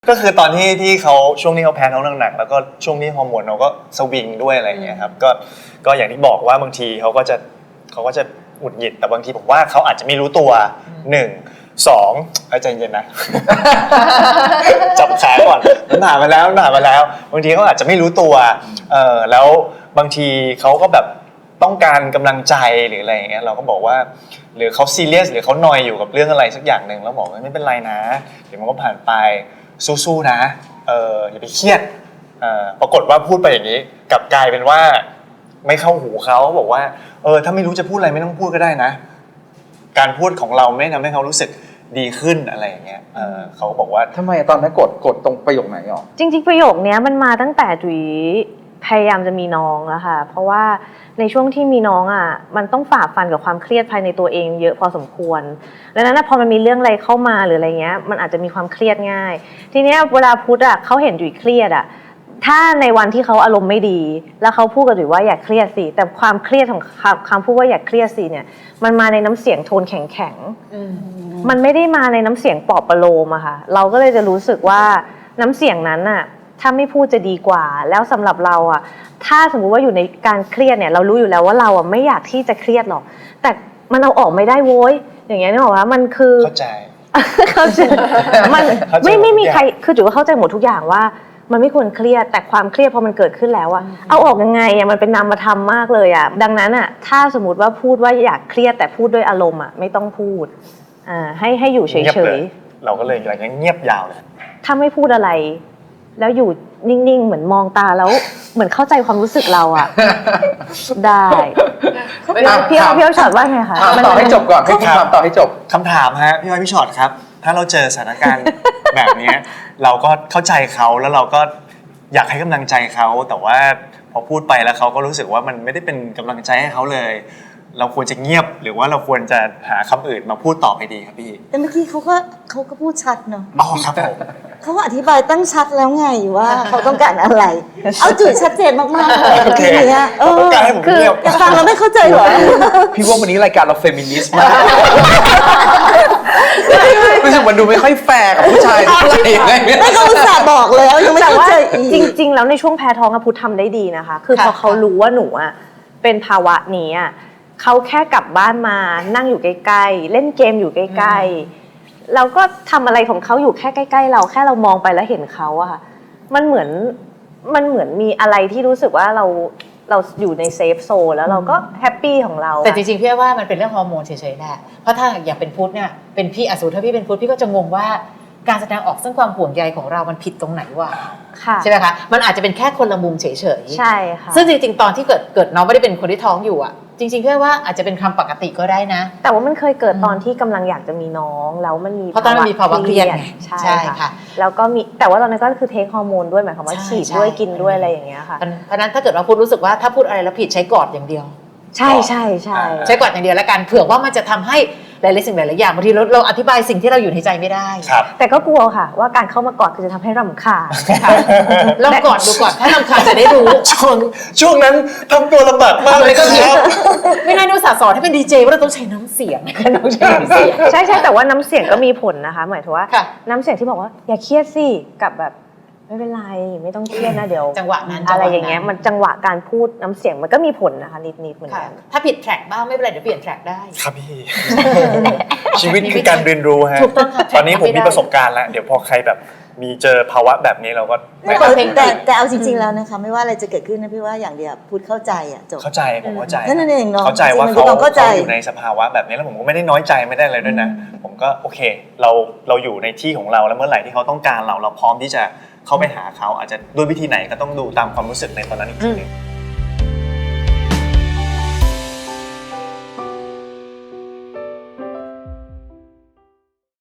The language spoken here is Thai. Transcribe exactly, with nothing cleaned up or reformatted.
ก็คือตอนที่ที่เขาช่วงนี้เขาแพ้ท้องหนักๆแล้วก็ช่วงนี้ฮอร์โมนเขาก็สวิงด้วยอะไรอย่างเงี้ยครับก็ก็อย่างที่บอกว่าบางทีเขาก็จะเขาก็จะหงุดหงิดแต่บางทีผมว่าเขาอาจจะไม่รู้ตัวหนึ่งสองใจเย็นนะ จับขาก่อนมันผ่านมาแล้วมันผ่านมาแล้วบางทีเขาอาจจะไม่รู้ตัวเออแล้วบางทีเขาก็แบบต้องการกำลังใจหรืออะไรอย่างเงี้ยเราก็บอกว่าหรือเขาซีเรียสหรือเขานอยอยู่กับเรื่องอะไรสักอย่างหนึ่งแล้วบอกว่าไม่เป็นไรนะเดี๋ยวมันก็ผ่านไปสู้ๆนะเอออย่าไปเครียดเออปรากฏว่าพูดไปอย่างนี้กลับกลายเป็นว่าไม่เข้าหูเขาบอกว่าเออถ้าไม่รู้จะพูดอะไรไม่ต้องพูดก็ได้นะการพูดของเราไม่ทำให้เขารู้สึกดีขึ้นอะไรอย่างเงี้ยเออเขาบอกว่าทำไมตอนนั้นกดกดตรงประโยคไหนหรอจริงๆประโยคนี้มันมาตั้งแต่จุ๋ยพยายามจะมีน้องแล้วค่ะเพราะว่าในช่วงที่มีน้องอ่ะมันต้องฝ่าฟันกับความเครียดภายในตัวเองเยอะพอสมควรดังนั้นพอมันมีเรื่องอะไรเข้ามาหรืออะไรเงี้ยมันอาจจะมีความเครียดง่ายทีเนี้ยเวลาพุทธอ่ะเขาเห็นจุ๋ยเครียดอ่ะถ้าในวันที่เขาอารมณ์ไม่ดีแล้วเขาพูดกับจุ๋ยว่าอย่าเครียดสิแต่ความเครียดของคำพูดว่าอย่าเครียดสิเนี่ยมันมาในน้ำเสียงโทนแข็งๆมันไม่ได้มาในน้ำเสียงปลอบประโลมอะค่ะเราก็เลยจะรู้สึกว่าน้ำเสียงนั้นอะถ้าไม่พูดจะดีกว่าแล้วสำหรับเราอะถ้าสมมุติว่าอยู่ในการเครียดเนี่ยเรารู้อยู่แล้วว่าเราอะไม่อยากที่จะเครียดหรอกแต่มันเอาออกไม่ได้โว้ยอย่างเงี้ยนึกออกว่ามันคือเข้าใจเข้าใจมันไม่ไม่มีใครคือจุ๋ยว่าเข้าใจหมดทุกอย่างว่ามันไม่ควรเครียดแต่ความเครียดพอมันเกิดขึ้นแล้วอะเอาออกยังไงอะมันเป็นนามธรรมมากเลยอะดังนั้นอะถ้าสมมติว่าพูดว่าอยากเครียดแต่พูดด้วยอารมณ์อะไม่ต้องพูดอ่าให้ให้อยู่เฉยๆเราก็เลยอย่างนี้เงียบยาวเลยถ้าไม่พูดอะไรแล้วอยู่นิ่งๆเหมือนมองตาแล้วเหมือนเข้าใจความรู้สึกเราอะได้พี่เอาพี่เอาช็อตว่าไงคะต่อให้จบก่อนให้พี่ถามต่อให้จบคำถามฮะพี่อ้อยพี่ช็อตครับถ้าเราเจอสถานการณ์แบบนี้เราก็เข้าใจเขาแล้วเราก็อยากให้กำลังใจเขาแต่ว่าพอพูดไปแล้วเขาก็รู้สึกว่ามันไม่ได้เป็นกำลังใจให้เขาเลยเราควรจะเงียบหรือว่าเราควรจะหาคำอื่นมาพูดต่อไปดีครับพี่แต่เมื่อกี้เขาก็เขาก็พูดชัดเนาะอ๋อครับผมเขาอธิบายตั้งชัดแล้วไงว่าเขาต้องการอะไรเอาจุดชัดเจนมากๆเลยทีเนี้ยเออคือจะฟังแล้วไม่เข้าใจหรอพี่ว่าวันนี้รายการเราเฟมินิสต์มากรู้สึกมันดูไม่ค่อยแฟร์กับผู้ชายเท่าไหร่ไม่เขาอุตส่าห์บอกแล้วยังไม่เข้าใจอีกจริงๆแล้วในช่วงแพ้ท้องอะพุทธทำได้ดีนะคะคือพอเขารู้ว่าหนูอะเป็นภาวะนี้อะเขาแค่กลับบ้านมานั่งอยู่ใกล้ๆเล่นเกมอยู่ใกล้ๆเราก็ทำอะไรของเขาอยู่แค่ใกล้ๆเราแค่เรามองไปแล้วเห็นเขาอะมันเหมือนมันเหมือนมีอะไรที่รู้สึกว่าเราเราอยู่ในเซฟโซนแล้วเราก็แฮปปี้ของเราแต่จริงๆพี่ว่ามันเป็นเรื่องฮอร์โมนเฉยๆแหละเพราะถ้าอย่างเป็นพุทธเนี่ยเป็นพี่อสูรถ้าพี่เป็นพุทธพี่ก็จะงงว่าการแสดงออกซึ่งความห่วงใยของเรามันผิดตรงไหนวะใช่ไหมคะมันอาจจะเป็นแค่คนละมุมเฉยๆใช่ค่ะซึ่งจริงๆตอนที่เกิดเกิดน้องไม่ได้เป็นคนที่ท้องอยู่อ่ะจริงๆพี่ว่าอาจจะเป็นคำปกติก็ได้นะแต่ว่ามันเคยเกิดตอนที่กำลังอยากจะมีน้องแล้วมันมีเพราะตอนนั้นมีภาวะเครียดใช่ค่ะแล้วก็มีแต่ว่าตอนนั้นก็คือเทคฮอร์โมนด้วยหมายความว่าฉีดด้วยกินด้วยอะไรอย่างเงี้ยค่ะเพราะนั้นถ้าเกิดว่าพูดรู้สึกว่าถ้าพูดอะไรแล้วผิดใช้กอดอย่างเดียวใช่ใช่ใช่ใช้กอดอย่างเดียวแล้วกันเผื่อว่ามันจะทำให้หลายๆสิ่งหลายๆอย่างบางทีเราเราอธิบายสิ่งที่เราอยู่ในใจไม่ได้แต่ก็กลัวค่ะว่าการเข้ามากอดคือจะทำให้รำคาญลองกอดดูก่อนถ้ารำคาญจะได้รู้ช่วงช่วงนั้นทำตัวลำบากมากเลยครับไม่น่าดูสาสอนให้เป็นดีเจว่าเราต้องใช้น้ำเสียงต้องใช้น้ำเสียงใช่ใช่แต่ว่าน้ำเสียงก็มีผลนะคะหมายถึงว่าน้ำเสียงที่บอกว่าอย่าเครียดสิกับแบบไม่เป็นไรไม่ต้องเครียดนะเดี๋ยวจังหวะนั้นอะไรอย่างเงี้ยมันจังหวะการพูดน้ำเสียงมันก็มีผลนะคะนิดๆเหมือนกันถ้าผิดแทร็กบ้างไม่เป็นไรเดี๋ยวเปลี่ยนแทร็กได้ครับพี่ชีวิตคือการเรียนรู้ฮะตอนนี้ผมมีประสบการณ์แล้วเดี๋ยวพอใครแบบมีเจอภาวะแบบนี้เราก็แต่แต่เอาจริงๆแล้วนะคะไม่ว่าอะไรจะเกิดขึ้นนะพี่ว่าอย่างเดียวพูดเข้าใจอ่ะจบเข้าใจผมเข้าใจนั่นเองเนาะเข้าใจว่าเขาอยู่ในสภาวะแบบนี้แล้วผมก็ไม่ได้น้อยใจไม่ได้อะไรด้วยนะผมก็โอเคเราเราอยู่ในที่ของเราแล้วเมื่อไหร่ที่เขาต้องการเราเราพร้อมที่จะเข้าไปหาเขาอาจจะด้วยวิธีไหนก็ต้องดูตามความรู้สึกในตอนนั้นอีกทีนึง